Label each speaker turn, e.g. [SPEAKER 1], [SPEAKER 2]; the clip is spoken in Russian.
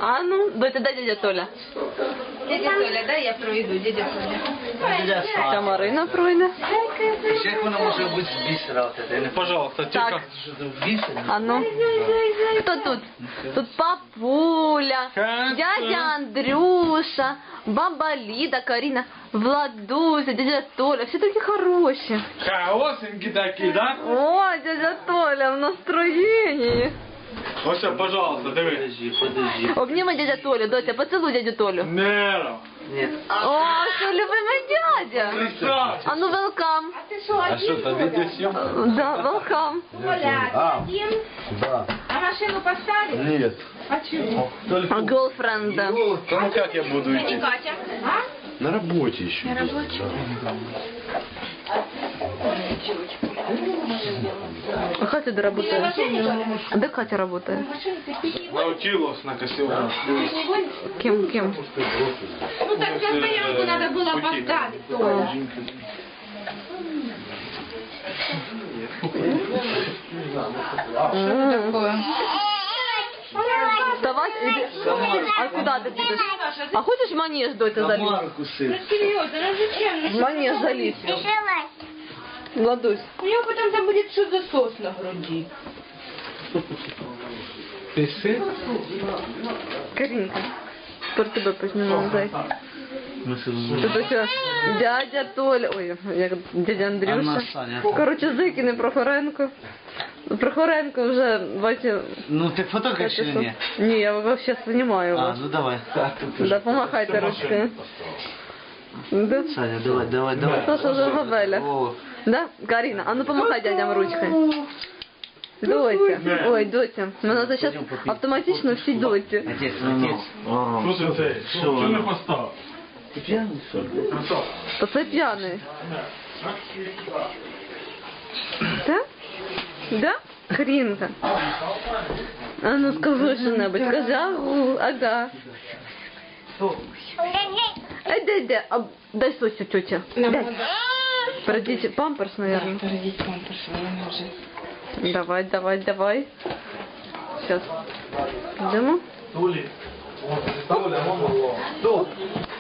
[SPEAKER 1] А ну, доця, дай дядя Толя.
[SPEAKER 2] Дядя Толя, дай я проведу, дядя Толя.
[SPEAKER 1] Та Марина пройде.
[SPEAKER 3] Ще як вона може бути з бісера?
[SPEAKER 4] Пожалуйста,
[SPEAKER 1] Так.
[SPEAKER 4] тихо.
[SPEAKER 1] А ну. Хто тут? Тут папуля, дядя Андрюша, баба Ліда, Каріна, Владуся, дядя Толя. Всі такі хороші.
[SPEAKER 4] Хорошенький такий, да?
[SPEAKER 1] О, дядя Толя в настроєнні.
[SPEAKER 4] Ось, пожалуйста, диви.
[SPEAKER 3] Подожди.
[SPEAKER 1] Обніми дядя Толю, доця, поцілуй дядю Толю.
[SPEAKER 4] Нера.
[SPEAKER 3] Ні.
[SPEAKER 1] О, що любимий дядя. А ну, велкам.
[SPEAKER 4] А що, там відеосйомка?
[SPEAKER 1] Да, велкам.
[SPEAKER 2] Оля, едим?
[SPEAKER 3] Да.
[SPEAKER 2] А машину поставили?
[SPEAKER 3] Нет.
[SPEAKER 2] А чего?
[SPEAKER 1] Голфренда.
[SPEAKER 4] Ну как я буду идти?
[SPEAKER 2] Катя? А?
[SPEAKER 3] На работе еще.
[SPEAKER 2] На рабочем?
[SPEAKER 1] А Катя де работает? А де Катя работает?
[SPEAKER 4] Наутилус на костюме.
[SPEAKER 1] Кем?
[SPEAKER 2] Ну так на стоянку надо было поставить, Толя. Такое.
[SPEAKER 1] Вставай, иди. А куда ты будешь? А хочешь в манеж, доця, залезть?
[SPEAKER 3] Марку сын.
[SPEAKER 2] Серьезно, ну зачем?
[SPEAKER 1] В манеж залезть. Владусь.
[SPEAKER 2] У него потом там будет что за сос на груди.
[SPEAKER 4] Пиши.
[SPEAKER 1] Каринка, тепер тебе познімемо, зайка. Тут ось дядя Толя, ой, як дядя Андрюша.
[SPEAKER 3] Анна, Саня.
[SPEAKER 1] Коротше, закине Прохоренко. Прохоренко вже, бачив...
[SPEAKER 3] Ну ты фотографируешь или нет?
[SPEAKER 1] Ні, я вообще знімаю
[SPEAKER 3] А,
[SPEAKER 1] вас.
[SPEAKER 3] ну давай.
[SPEAKER 1] Да, помахайте ручкою. Да?
[SPEAKER 3] Саня, давай.
[SPEAKER 1] Саша вже габеля.
[SPEAKER 3] О,
[SPEAKER 1] Да, Карина, а ну помахай дядям ручкою. Доця, ой, доця, мене це зараз автоматично всі доці.
[SPEAKER 3] отец.
[SPEAKER 4] Слушай, це, що не постав?
[SPEAKER 3] Ты пьяный, что ли?
[SPEAKER 1] То це п'яний. Так? Да? Хрінка. А ну скажи що-небудь, скажи агу, ага. Де, дай сосю, тетя. Дай. Передите памперс, наверное.
[SPEAKER 2] Перейдите памперс, наверное, уже.
[SPEAKER 1] Давай. Сейчас. Идемо.
[SPEAKER 4] Толі. О, Толя, мама.